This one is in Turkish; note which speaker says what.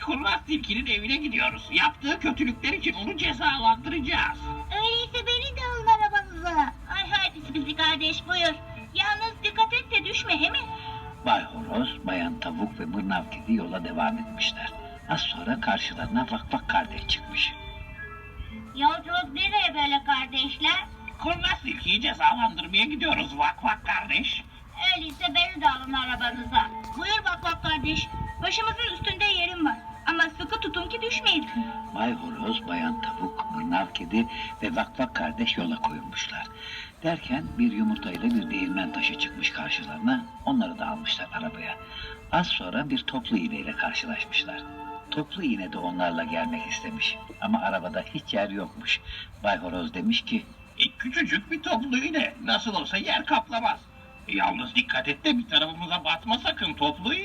Speaker 1: Kurnaz tilkinin evine gidiyoruz. Yaptığı kötülükler için onu cezalandıracağız.
Speaker 2: Öyleyse beni de alın arabanıza. Ay haydi Sibidi kardeş buyur. Yalnız dikkat et de düşme he mi?
Speaker 3: Bay Horoz, Bayan Tavuk ve Mırnav Kedi yola devam etmişler. Az sonra karşılarına Vak Vak kardeş çıkmış.
Speaker 2: Yolculuk nereye böyle kardeşler?
Speaker 1: Kurnaz tilkiyi cezalandırmaya gidiyoruz vak vak kardeş.
Speaker 2: Öyleyse beni de alın arabanıza. Buyur bak bak kardeş. Başımızın üstünde yerim var. Ama sıkı tutun ki düşmeyin.
Speaker 3: Bay Horoz, Bayan Tavuk, Mırnav Kedi ve Vak Vak kardeş yola koyulmuşlar. Derken bir yumurtayla bir değirmen taşı çıkmış karşılarına, onları da almışlar arabaya. Az sonra bir toplu iğneyle karşılaşmışlar. Toplu iğne de onlarla gelmek istemiş ama arabada hiç yer yokmuş. Bay Horoz demiş ki,
Speaker 1: Küçücük bir toplu iğne. Nasıl olsa yer kaplamaz. Yalnız dikkat et de bir tarafımıza batma sakın toplu